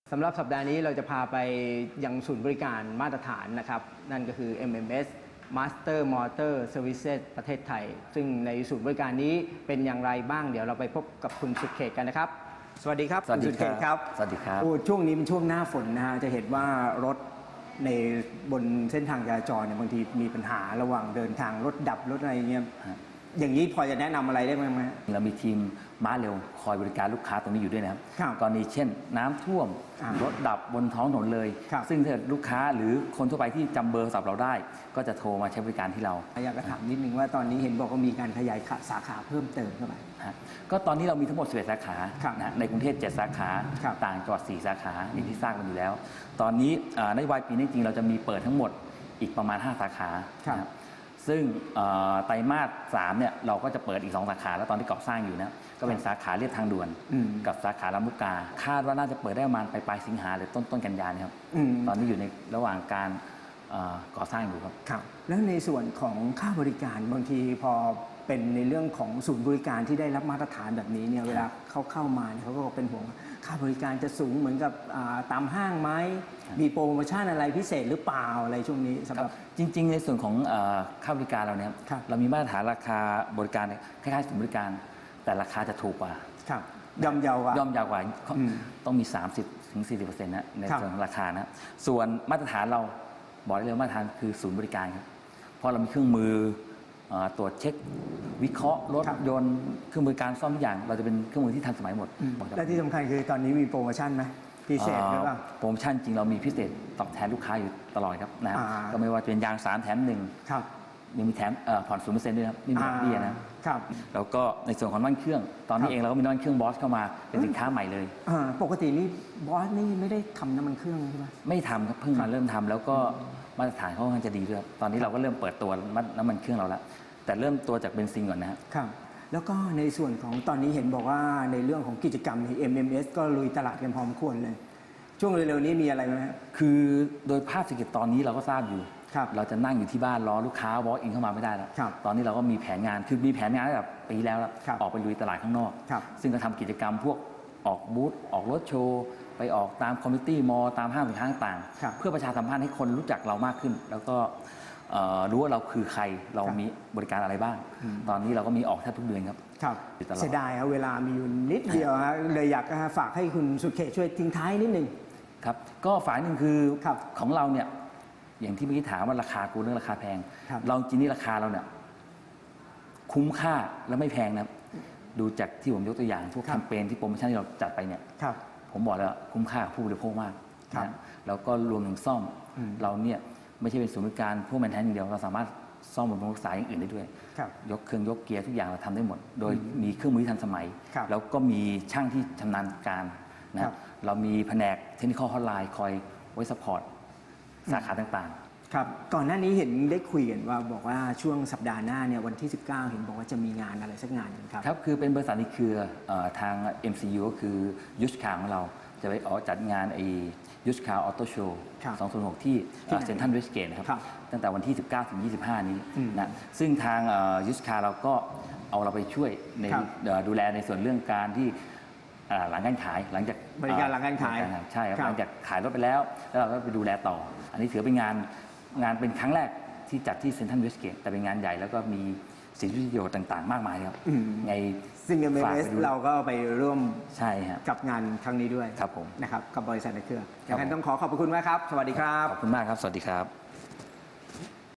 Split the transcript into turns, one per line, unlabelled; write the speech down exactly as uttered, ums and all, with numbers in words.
สำหรับสัปดาห์นี้เราจะพาไปยังศูนย์บริการมาตรฐานนะครับนั่นก็คือ เอ็ม เอ็ม เอส Master Motor Services ประเทศไทยซึ่งในศูนย์บริการนี้เป็นอย่างไรบ้างเดี๋ยวเราไปพบกับคุณสุดเขตกันนะครับสวัสดีครับ
สวัสดีครับ
สวัสดีครับ
โอ้
ช่วงนี้เป็นช่วงหน้าฝนนะฮะจะเห็นว่ารถในบนเส้นทางจราจรเนี่ยบางทีมีปัญหาระหว่างเดินทางรถดับรถอะไรเงี้ยอย่างนี้พอจะแนะนำอะไรได้ไหมไหม
เรามีทีมม้าเร็วคอยบริการลูกค้าตรงนี้อยู่ด้วยนะครับ
ครับ
กรณีเช่นน้ำท่วมรถดับบนท้องถนนเลย ซึ่งถ้าลูกค้าหรือคนทั่วไปที่จำเบอร์โทรศัพท์เราได้ ก็จะโทรมาใช้บริการที่เรา
อยากจะถามนิดนึงว่าตอนนี้เห็นบอกว่ามีการขยายสาขาเพิ่มเติมเข้าไป
ก็ตอนนี้เรามีทั้งหมดสิบเอ็ดสาขานะในกรุงเทพเจ็ดสาขา
ครับ
ต่างจังหวัดสี่สาขาอย่างที่ทราบกันอยู่แล้ว ตอนนี้นโยบายปีนี้จริงเราจะมีเปิดทั้งหมดอีกประมาณห้าสาขานะครับซึ่งไตรมาสสามเนี่ยเราก็จะเปิดอีกสองสาขาแล้วตอนที่ก่อสร้างอยู่นะก็เป็นสาขาเรียบทางด่วนกับสาขาลำลูกกาคาดว่าน่าจะเปิดได้ประมาณปลายสิงหาหรือต้นต้นกันยายนครับตอนนี้อยู่ในระหว่างการก่อสร้างอยู่ครับ
ครับแล้วในส่วนของค่าบริการบางทีพอเป็นในเรื่องของศูนย์บริการที่ได้รับมาตรฐานแบบนี้เนี่ยเวลาเขาเข้ามาเขาก็เป็นห่วงค่าบริการจะสูงเหมือนกับตามห้างไหมมีโปรโมชั่นอะไรพิเศษหรือเปล่าอะไรช่วงนี้สำหรับ
จริงๆในส่วนของค่าบริการเราเนี่ยเรามีมาตรฐานราคาบริการคล้ายๆศูนย์บริการแต่ราคาจะถูกกว่า
ครับย่อมเยาวกว่า
ย่อมเยาวกว่าต้องมี สามสิบถึงสี่สิบเปอร์เซ็นต์ นะในส่วนของราคานะส่วนมาตรฐานเราบอกได้เลยมาตรฐานคือศูนย์บริการครับเพราะเรามีเครื่องมือตรวจเช็ควิเคราะห์รถยนต์เครื่องมือการซ่อมทุกอย่างเราจะเป็นเครื่องมือที่ทันสมัยหมด
และที่สำคัญคือตอนนี้มีโปรโมชั่นไหมพิเศษหรือเปล่า
โปรโมชั่นจริงเรามีพิเศษตอบแทนลูกค้าอยู่ตลอดครับนะก็ไม่ว่าจะเป็นยางสามแถมหนึ่งยังมีแถมผ่อนศูนย์เปอร์เซ็นต์ด้วยครับไม่มีดอกเบี้ยนะครับแล้วก็ในส่วนของน้ำมันเครื่องตอนนี้เองเราก็มีน้ำมันเครื่องบอสเข้ามาเป็นสินค้าใหม่เลย
ปกตินี่บอสนี่ไม่ได้ทำน้ำมันเครื่องใช่ไหม
ไม่ทำครับเพิ่งมาเริ่มทำแล้วก็มาตรฐานเขาค่อนข้างจะดีด้วยตอนนี้เราก็เริ่มเปิดตัวน้ำมันเครื่องเราแล้วแต่เริ่มตัวจากเบนซินก่อนนะครับ
แล้วก็ในส่วนของตอนนี้เห็นบอกว่าในเรื่องของกิจกรรมใน เอ็ม เอ็ม เอส ก็ลุยตลาดกันพร้อมควรเลยช่วงเร็วๆนี้มีอะไรไหม
คือโดยภาพเศรษฐกิจตอนนี้เราก็ทราบอยู่เราจะนั่งอยู่ที่บ้านรอลูกค้าวอล์กอินเข้ามาไม่ได้แล้วตอนนี้เราก็มีแผนงานคือมีแผนงานแบบปีแล้วออกไปลุยตลาดข้างนอกซึ่งก็ทำกิจกรรมพวกออกบูธออกรถโชว์ไปออกตามคอมมิตี้มอลล์ตามห้างสินค้าต่างๆเพื่อประชาสัมพันธ์ให้คนรู้จักเรามากขึ้นแล้วก็รู้ว่าเราคือใครเรามีบริการอะไรบ้างตอนนี้เราก็มีออกแทบทุกเดือนครับ
ครับเสียดายครับเวลามีอยู่นิดเดียวเลยอยากฝากให้คุณสุดเขตช่วยทิ้งท้ายนิดนึง
ครับก็ฝากหนึ่งคือของเราเนี่ยอย่างที่เมื่อกี้ถามว่าราคากูเรื่องราคาแพงเราจริงนี่ราคาเราเนี่ยคุ้มค่าและไม่แพงนะดูจากที่ผมยกตัวอย่างพวกแคมเปญที่โปรโมชั่นที่เราจัดไปเนี่ยผมบอกแล้วคุ้มค่าผู้บริโภคมากนะแล้วก็รวมถึงซ่อมเราเนี่ยไม่ใช่เป็นศูนย์บริการพวกแมนแทนอย่างเดียวเราสามารถซ่อมบำรุงรักษาอย่างอื่นได้ด้วยยกเครื่องยกเกียร์ทุกอย่างเราทำได้หมดโดยมีเครื่องมือที่ทันสมัยแล้วก็มีช่างที่ชำนาญการนะเรามีแผนกเทคนิคอลฮอตไลน์คอยไว้ซัพพอร์ตสาขาต่าง
ๆครับก่อนหน้านี้เห็นได้คุยกันว่าบอกว่าช่วงสัปดาห์หน้าเนี่ยวันที่สิบเก้าเห็นบอกว่าจะมีงานอะไรสักงานนึงครับ
ครับคือเป็นบริษัทในเครือทาง เอ็ม ซี ยู ก็คือยุชคาของเราจะไปออกจัดงานไอยุชคาออโต้โชว์สองพันหกที่เซ็นทรัลเวสเกตนะครับตั้งแต่วันที่สิบเก้าถึงยี่สิบห้านี้นะซึ่งทางยุชคาเราก็เอาเราไปช่วยในดูแลในส่วนเรื่องการที่หลังการขายหลังจาก
บริการหลังการขาย
ใช่ครับหลังจากขายรถไปแล้วแล้วเราก็ไปดูแลต่ออันนี้ถือเป็นงานงานเป็นครั้งแรกที่จัดที่เซ็นทรัลเวสเกตแต่เป็นงานใหญ่แล้วก็มีสิทธิประโยชน์ต่างๆมากมายครับไง
ซึ่ง เอ็ม เอ็ม เอส เราก็ไปร่วม
ใช่ครับ
กับงานครั้งนี้ด้วย
ครับผม
นะครับกับบริษัทในเครือดังนั้นต้องขอขอบคุณมากครับสวัสดีครับ
ขอบคุณมากครับสวัสดีครับ